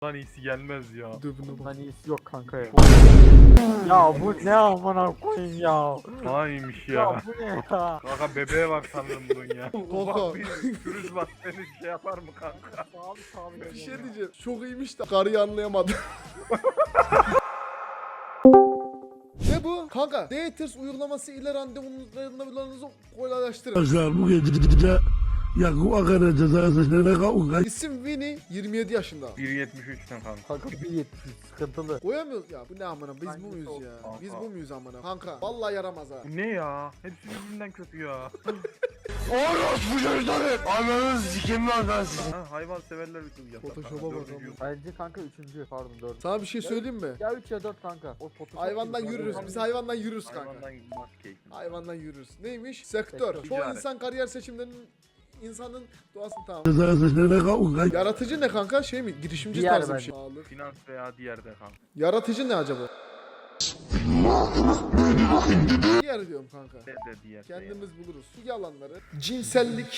Lan iyisi gelmez ya. Bundan iyisi yok kanka ya. Ya bu ne amına koyayım ya. Haymış ya. Ya bu ne ya. Kanka bebeğe var sanırım bunun ya. Kanka. Ufak bir pürüz var, seni şey yapar mı kanka? Sağlı Bir şey diyeceğim. Çok iyiymiş de karıyı anlayamadım. Ne bu? Kanka, Daters uygulaması ile randevularınızı kolaylaştırın. Arkadaşlar bu gece Yakup Akar'a cezasına kavga. İsim Winnie, 27 yaşında. 1.73'ten kanka. Kanka 1.70 sıkıntılı. Koyamıyoruz ya. Bu ne amına? Biz bu Hangisi muyuz o? ya? Kanka. Biz bu muyuz amına? Kanka, vallahi yaramaz ha. Bu ne ya? Hepsi birbirinden kötü ya. Orospu çocukları. Ananı sikeyim lan ben sizi. Ha, hayvan severler bir yapar. Photoshop'a bak ama. Bence kanka 3. pardon 4. Sana bir şey söyleyeyim mi? Ya 3 ya 4 kanka. O Photoshop Hayvandan gibi yürürüz. kanka. Biz hayvandan yürürüz kanka. Hayvandan bak keyfine. Hayvandan yürürüz. Neymiş? Sektör. Sektör. Çoğu Ticaret. insan kariyer seçimlerinin insanın doğasını tamam. Cezasına kavga. Yaratıcı ne kanka? Şey mi? Girişimci Diğer tarzı bir bence. şey. Sağlık. Finans veya diğerde kanka. Yaratıcı ne acaba? Diğer diyorum kanka. De diğer. Kendimiz buluruz. Su alanları. Cinsellik.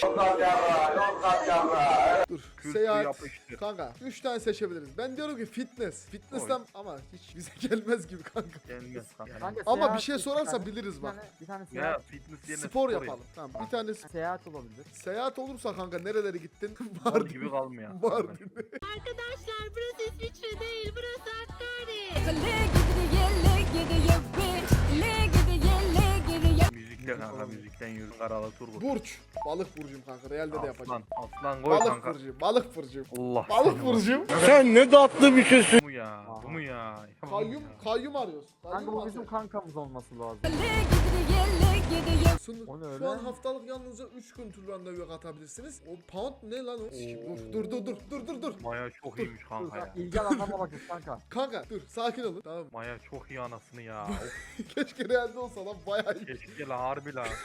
Dur. Kültür Seyahat. yapıştır. Kanka 3 tane seçebebiliriz. Ben diyorum ki fitness. Fitness'ten ama hiç bize gelmez gibi kanka. Gelmez kanka. Kanka, Ama seyahat bir şey bir sorarsa tane- biliriz bak. Bir tane Ya seyahat, fitness yerine Spor yapalım. Tamam bir tane seyahat olabilir. seyahat olursa kanka nerelere gittin? Var Mardin. gibi kalmıyor. Mardin. Arkadaşlar burası İsviçre değil, burası Hakkari. Müzikle kanka, müzikten yürü. Karalı turgut. Burç. Balık burcum kanka. Realde de yapacağım. Aslan koy Balık kanka. burcu. Balık burcu. Allah. Balık burcum. Sen ne tatlı bir şeysin. Bu mu ya? Bu mu ya? Kayyum. Kayyum arıyoruz. Kanka Kayyum bu bizim arıyoruz. kankamız olması lazım. O ne Şu an öyle? haftalık yalnızca 3 gün tur randevu katabilirsiniz. O pound ne lan o? Dur. Maya çok iyiymiş Dur, kanka ya. İlgi alanlarına bakın kanka. Kanka dur sakin olun. Tamam. Maya çok iyi anasını ya. Of, Keşke realde olsa lan bayağı iyi. keşke la harbi la.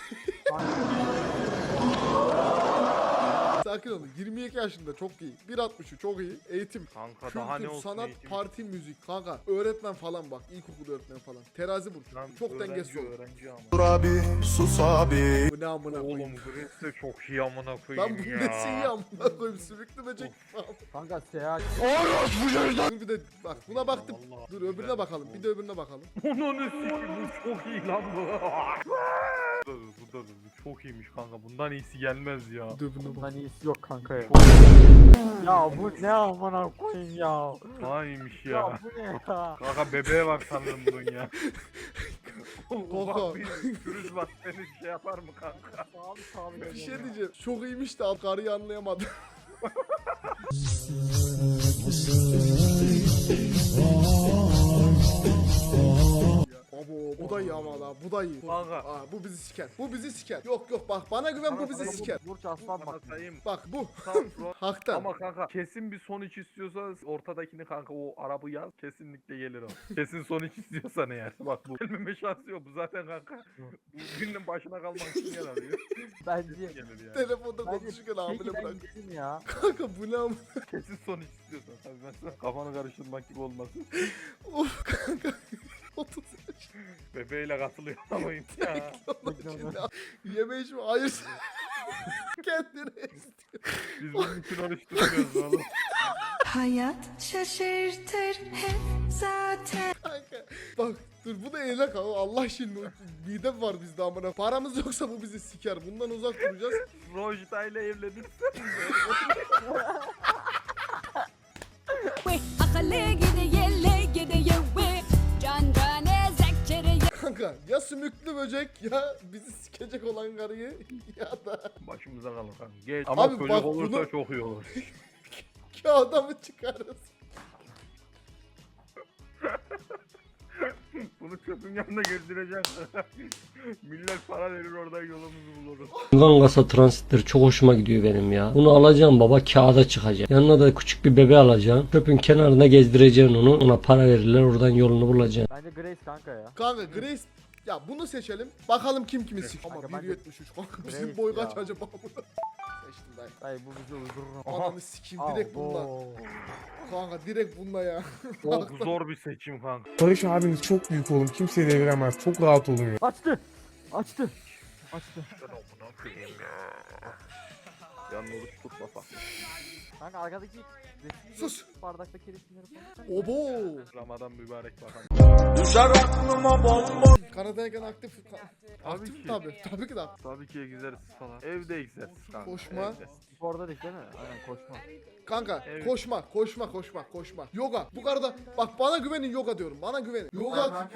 Sakin olun. 22 yaşında çok iyi. 1.63 çok iyi. Eğitim. Kanka daha ne Kültür, olsun sanat, eğitim? parti, müzik. Kanka öğretmen falan bak. İlkokul öğretmeni falan. Terazi burcu. Lan Çok öğrenci, dengesiz olur. öğrenci ama. Dur abi sus abi. Bu ne amına Oğlum koyayım. Gres de çok iyi amına Lan koyayım bu ya. nesi iyi amına koyayım. Sümüklü böcek falan. Kanka seyahat. Orospu çocukları. Dur bir de bak buna baktım. Allah. Dur öbürüne bakalım. Bir de öbürüne bakalım. Onun üstü bu çok iyi lan bu. Bu çok iyiymiş kanka. Bundan iyisi gelmez ya. Bundan iyisi yok kanka ya. Ya bu ne amına koyayım ya. Haymış Ya ya. bu ne ya. Kanka bebeğe var sanırım bunun ya. Kanka. Ufak bir pürüz var, seni şey yapar mı kanka? Sağlı Bir şey diyeceğim. Çok iyiymiş de karıyı anlayamadım. Abo bu da iyi ama la bu da iyi. Kanka. Aa, bu bizi siker. Bu bizi siker. Yok bak bana güven bu bizi siker. Burç aslan Bana bak. sayayım. Bak bu. Tam front. Haktan. Ama kanka kesin bir sonuç istiyorsa ortadakini kanka o arabı yaz kesinlikle gelir o. Kesin sonuç istiyorsan eğer. Bak bu gelmeme şansı yok bu zaten kanka. Bu günün başına kalmak için yer arıyor. Bence. Gelir yani. Telefonda Bence konuşurken hamile peki ben bırak. gittim ya. Kanka bu ne ama. Kesin sonuç istiyorsan tabii ben sana kafanı karıştırmak gibi olmasın. Of kanka. 30 yaş. Bebeğiyle katılıyor ama ya. Yeme içme hayır. Kendine istiyor. Biz bunun için oruç tutmuyoruz oğlum. Hayat şaşırtır hep zaten. Kanka. Bak dur bu da eyle kanka. Allah şimdi midem var bizde amına. Paramız yoksa bu bizi siker. Bundan uzak duracağız. Rojda ile evlenirsen Kanka ya sümüklü böcek ya bizi sikecek olan karıyı ya da başımıza kalır kanka. Geç. Ama Abi çocuk bak olursa bunu- çok iyi olur. kağıda mı çıkarız? Bunu çöpün yanında gezdireceksin. Millet para verir oradan yolumuzu buluruz. Van Gasa transitleri çok hoşuma gidiyor benim ya. Bunu alacağım baba, kağıda çıkacak. Yanına da küçük bir bebe alacağım. Çöpün kenarına gezdireceksin onu. Ona para verirler, oradan yolunu bulacaksın. Bence Grace kanka ya. Kanka Grace ya bunu seçelim. Bakalım kim kimi sik. Ama Kanka, bence 1.73 kanka bizim Grace boy kaç ya. acaba bunu? Seçtim dayı. Dayı bu bizi uydurur. Ananı sikeyim direkt bununla. Abo. Kanka direkt bununla ya. Çok zor bir seçim kanka. Barış abiniz çok büyük oğlum. Kimseyi deviremez. Çok rahat olun ya. Açtı. Açtı. Açtı. Ben amına koyayım ya. Yarın oruç tutmasak. Kanka arkadaki resim Sus. bardaktaki resimleri falan. Obo. Ramazan mübarek bakalım. Kanada'yken aktif. Aktif ki. mi tabi? Tabii ki de aktif. Tabii ki egzersiz falan. Evde egzersiz kanka. Koşma. evde. Sporda değil mi? Aynen koşma. Kanka Evet. koşma. Yoga. Bu kadar bak bana güvenin yoga diyorum. Bana güvenin. Yoga.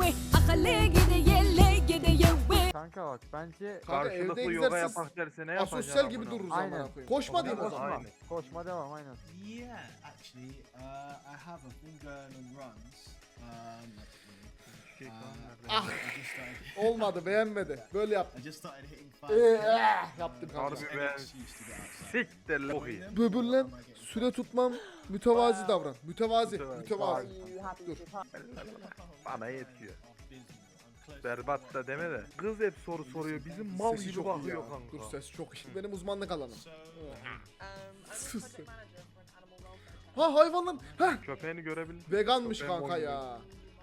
Kanka bak bence Kanka evde Karşılıklı yoga egzersiz yapak derse ne yapacaksın? asosyal gibi amına? dururuz Aynen. amına koyayım. Koşma diyeyim o zaman. Aynen. koşma devam aynen. Yeah, actually, I have. I've been going on runs. Şey Uh, kanka. I just started. Olmadı beğenmedi. Böyle yap. I just started hitting 5K. Yaptım kanka. Harbi ben siktir lan. Çok iyi. Böbürlen süre tutmam mütevazi davran. Mütevazi. Mütevazi. Dur. Bana yetiyor. Berbat da deme de. Kız hep soru soruyor. Bizim mal Sesi gibi çok iyi ya. bakıyor kanka. Dur ses çok iyi. Benim uzmanlık alanım. Sus. Ha hayvanlar. Ha Köpeğini görebildin. veganmış Köpeğin kanka boynu. ya. No,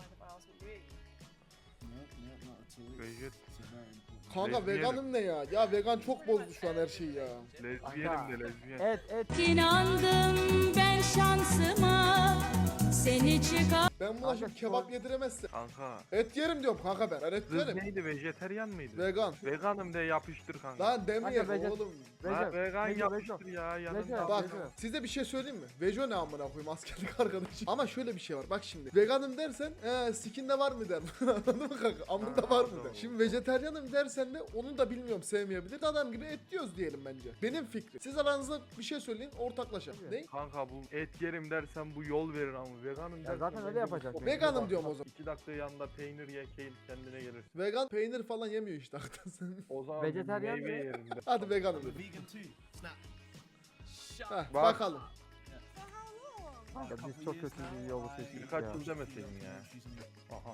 not at all. Vejet. It's a very important. Kanka Lezbiyenim. veganım ne ya? Ya vegan çok bozdu şu an her şeyi ya. Lezbiyenim de lezbiyen. Et. İnandım ben şansıma. Seni çıkar. Ben buna şimdi kebap yediremezsem. Kanka. Et yerim diyorum kanka ben. Ben et Kız yerim. neydi? Vejeteryan mıydı? Vegan. Veganım de yapıştır kanka. Lan demeyelim Kanka, oğlum. Ha, Recep. vegan Recep, yapıştır Recep. ya Recep. yanında. Bak Vejo. size bir şey söyleyeyim mi? Vejo ne amına koyayım askerlik arkadaşım. Ama şöyle bir şey var bak şimdi. Veganım dersen sikinde var mı der. Anladın mı kanka? Amında var mı der. Şimdi vejeteryanım dersen de onu da bilmiyorum sevmeyebilir. Adam gibi et diyoruz diyelim bence. Benim fikrim. Siz aranızda bir şey söyleyin ortaklaşalım. Ne? Kanka bu et yerim dersen bu yol verir ama veganım dersen. zaten öyle bence yapacak. bu- Veganım diyorum o zaman. 2 dakika yanında peynir ye kendine gelirsin. Vegan peynir falan yemiyor işte hakikaten. O zaman Vejeteryan meyve mı? yerinde. Hadi veganım I'm a dedim. vegan too. Snap. Heh, Bak. bakalım. Kanka biz çok kötü bir yolu seçtik Birkaç ya. yıl demeseydin ya. Aha.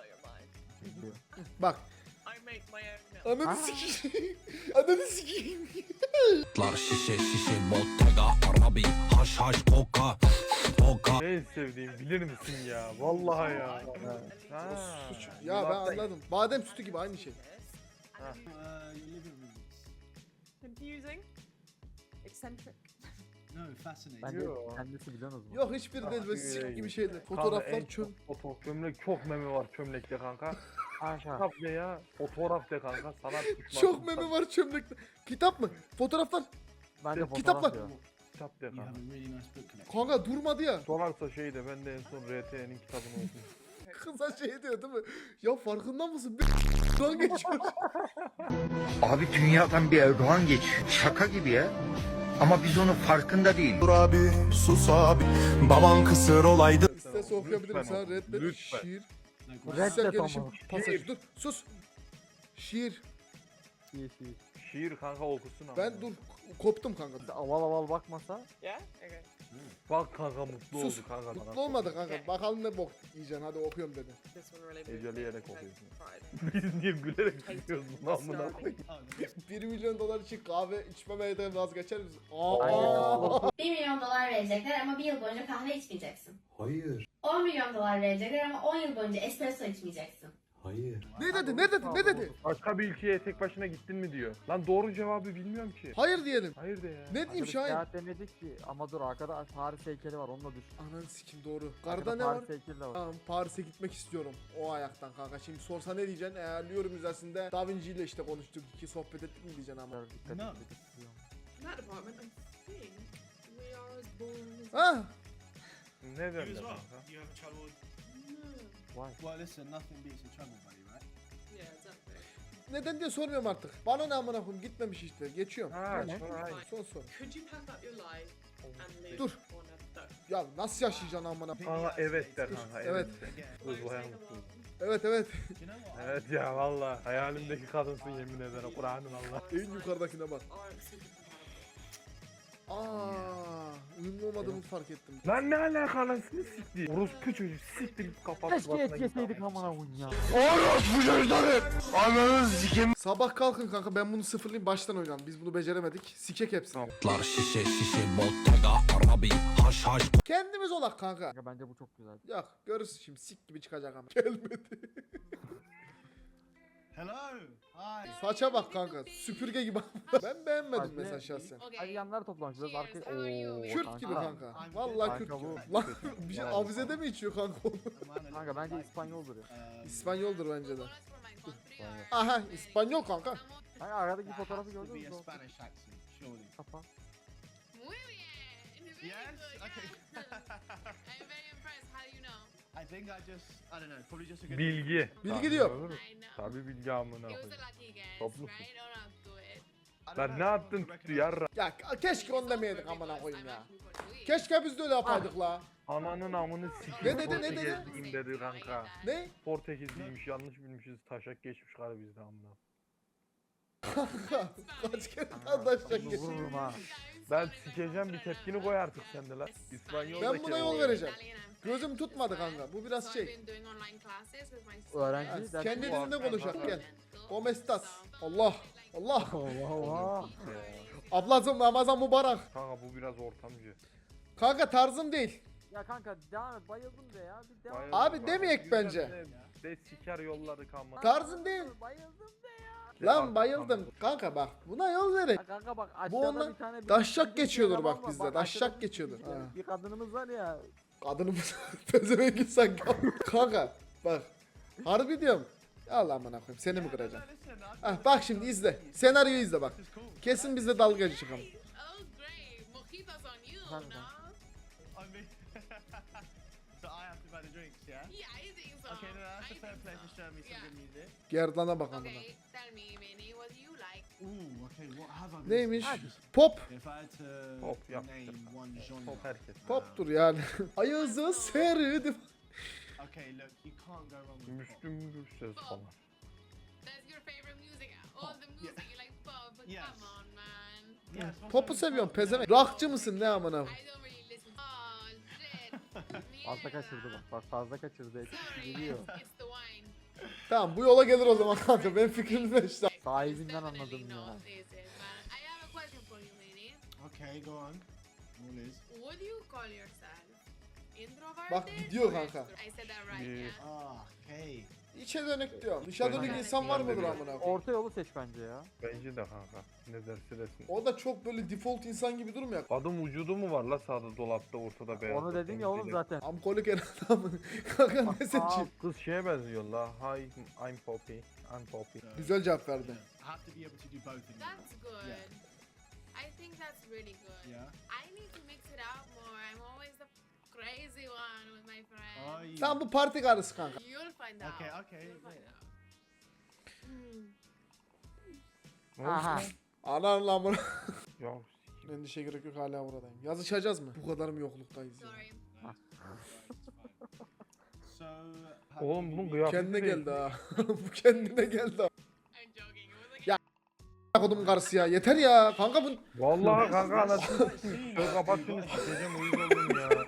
Bak. Ananı sikeyim. Ananı sikeyim. Şişe Bottega Arabi haş haş koka koka. En sevdiğim bilir misin ya? Vallahi ya. Ha. Ya ben anladım. Badem sütü gibi aynı şey. Your living room. Confusing. Eccentric. No, fascinating. Bence Yo. kendisi biliyorsunuz mu? Yok hiçbiri değil böyle sik gibi şeyler. Fotoğraflar çöp. Çömlek çok meme var çömlekte kanka. Kanka. Kitap de ya. Fotoğraf de kanka. Sanat düşmanı. Çok meme var çömlekte. Kitap mı? Fotoğraflar. Bence fotoğraf Kitaplar. ya. Kitap de You have kanka. a really nice book collection. Kanka durmadı ya. Sorarsa şey de ben de en son RT'nin kitabını okudum. Kıza şey diyor değil mi? Ya farkında mısın? Lan geçiyor. Abi dünyadan bir Erdoğan geçiyor. Şaka gibi ya. Ama biz onun farkında değil. Dur abi sus abi baban kısır olaydı. İsterse okuyabilirim Lütfen sana oku, reddet. lütfen. Şiir. No, Reddet Kişisel gelişim ama. pasajı. Dur sus. Şiir. İyi. Şiir kanka okusun ama. Ben dur koptum kanka. Aval aval bakmasa. Yeah? Okay. Bak kanka mutlu Sus. oldu kanka. Mutlu olmadı kanka. Bakalım ne bok yiyeceksin. Hadi okuyorum dedi. This one really moved me. Eceleyerek Like, okuyorsun. pride. Biz niye gülerek gidiyoruz bunu amına koyayım. 1 milyon dolar için kahve içmemeye de vazgeçer misin? Aynen. Aa. 1 milyon dolar verecekler ama bir yıl boyunca kahve içmeyeceksin. Hayır. 10 milyon dolar verecekler ama 10 yıl boyunca espresso içmeyeceksin. Hayır. Ne dedi? Ne dedi? Ne dedi? Başka bir ülkeye tek başına gittin mi diyor. Lan doğru cevabı bilmiyorum ki. Hayır diyelim. Hayır de ya. Ne diyeyim Arkadaş Şahin? seyahat demedik ki. Ama dur arkada Paris heykeli var onunla düş. Ananı sikim doğru. Karda Arkada ne var? Paris heykeli de var. Tamam Paris'e gitmek istiyorum. O ayaktan kanka. Şimdi sorsa ne diyeceksin? Louvre Müzesi'nde Da Vinci ile işte konuştuk. İki sohbet ettik mi diyeceksin ama. Dikkat No. et, istiyorum. In that department, I think we are as boring as... Ha? Ne You derler as well. kanka? You have trouble. No. Vay. Well, listen, nothing beats a trouble buddy, right? Yeah, exactly. Neden diye sormuyorum artık. Bana ne amına koyayım gitmemiş işte. Geçiyorum. Ha, Ne? şuray. Son soru. Could you pack up your life and live Dur. on a boat? Ya nasıl yaşayacaksın amına? Kanka evet der kanka. Evet. Kız bayağı mutlu. Evet evet. Do you know what? Evet ya valla. Hayalimdeki kadınsın yemin ederim. Kur'an'ın Allah. En yukarıdakine bak. Aren't super compatible. Uyumlu olmadığımı fark ettim. Lan ne alaka anasını sikti. Orospu çocuk siktirip kapat. Keşke et yeseydik amına koyayım ya. Orospu çocukları. Ananı sikim. Sabah kalkın kanka ben bunu sıfırlayayım baştan oynayalım. Biz bunu beceremedik. Sikek hepsini. Şişe Bottega Arabi haş haş. Kendimiz olak kanka. Kanka bence bu çok güzel. Yok görürsün şimdi sik gibi çıkacak ama. Gelmedi. Hello. Hi. Saça bak kanka. Süpürge gibi. Ben beğenmedim Bak, mesela ne- şahsen. Hadi yanlar toplamış biraz arkaya. Oo, Kürt gibi kanka. Vallahi Kürt Kanka gibi. bu- Lan bir şey avizede mi içiyor kanka onu? Kanka bence İspanyoldur ya. İspanyoldur bence de. Aha İspanyol kanka. Kanka aradaki fotoğrafı Has to gördün be mü? a Spanish accent, surely. Kafa. Muy bien. Very Yes? good. Okay. I'm very impressed. How do you know? I think I don't know, probably just a good. Bilgi. Bilgi diyor. I know. Tabii bilgi amına It was koyayım. a lucky guess, Toplusun. right? Or not do it. I don't Lan know ne if I yaptın would tuttu recognise yarra. Ya keşke onu demeydik amına koyayım I'm ya. actually Portuguese. Keşke biz de öyle yapaydık la. Ananın amını Ne sikeyim. dedi, ne dedi? Portekizliyim dedi kanka. Ne? Portekizliymiş yanlış bilmişiz. Taşak geçmiş karı bizde amına. Kaç kere daha taşacak Bunu geçti. vururum ha. Ben sikeceğim bir tepkini koy artık sen de lan. İspanyol'daki Ben buna o- yol vereceğim. Gözüm tutmadı kanka. Bu biraz şey. Öğrenci dersi Kendi bu dilinde abi. konuşak gel. ¿Cómo estás? Allah. Allah. Allah Allah. Ablacım Ramazan mübarek. Kanka bu biraz ortamcı. Kanka tarzım değil. Ya kanka devam et bayıldım de ya. Bir devam et. Bayıldım Abi kanka. demeyek Güzel bence. De siker yolladık ama. Tarzım değil. Bayıldım de ya. Lan bayıldım. Kanka bak buna yol verin. Ya kanka bak aşağıda Bu ondan bir tane daşşak bir geçiyordur eleman bak var. bizde, Bak daşşak aşağıda bir- geçiyordur. Ha. Bir kadınımız var ya. Kadınımız pezevenk insan kanka bak. Harbi diyorum. Allah amına koyayım seni mi kıracağım? Ah bak şimdi izle. Senaryoyu izle bak. Kesin bizde dalga geçeceğim. Oh, great. Mojitos on you, Kanka. no? I mean, so I have to buy the drinks, yeah? Yeah, I think so. Okay, no, that's I a fair think play so. for showing me some Yeah. good music. Gerdana bak amına. Okay, tell me, Manny, what do you like? Ooh, okay, what have I missed? Neymiş? Pop. If I had to Pop yaptı. name one genre. Top herkes. Poptur yani. Ayazı serdim. Okay, look, you can't go wrong with pop. Müslüm Gürses falan. That's your favorite music. All the music, you like pop, but Yes. come on, man. Yeah, it's not Pop'u so- seviyorum pezevenk. Rockçı mısın ne amına? I don't really listen. Oh, shit. Fazla Mierda. kaçırdı bak. Bak fazla kaçırdı. Sorry, Geliyor. it's the wine. Tamam bu yola gelir o zaman kanka. Ben fikrimde işte. Sahibinden Definitely anladım ya. not this is, man. I have a question for you, Manny. Okay, go on. All is. What do you call yourself? Introverted? Bak gidiyor or kanka. extrovert? I said that right, Yeah. yeah? Ah, okay. İçe dönük diyorum. Dışa dönük Ben- insan var ben de mıdır bir- amına koyayım? Orta yolu seç bence ya. Bence de kanka. Ne derse desin. O da çok böyle default insan gibi durmuyor. Kadın vücudu mu var la sağda dolapta ortada beyaz. Onu dedim ya oğlum zaten. Amkolik en adamı. Kanka ne seçeyim? Kız şeye benziyor la. Hi, I'm Poppy. I'm Poppy. Güzel cevap verdi. I have to be able to do both in one. That's good. Yeah. I think that's really good. Yeah. I need to mix it up more. I'm always the crazy one with my friends. Oh, yeah. Sen bu parti karısı kanka. You'll find out. Okay, okay. You'll find out. Aha. Anan lan bunu. Ya Endişe gerek yok hala buradayım. Yazışacağız mı? Bu kadar mı yokluktayız ya? Sorry. So, how oğlum do bunun you- kıyafeti Kendine değil. geldi ha. Bu kendine geldi ha. I'm joking. It was like Ya. Kodum karısı ya. Yeter ya. Kanka bu Vallahi kanka anasını sikeyim. Şöyle kapat şunu sikeceğim uyuz oldum ya.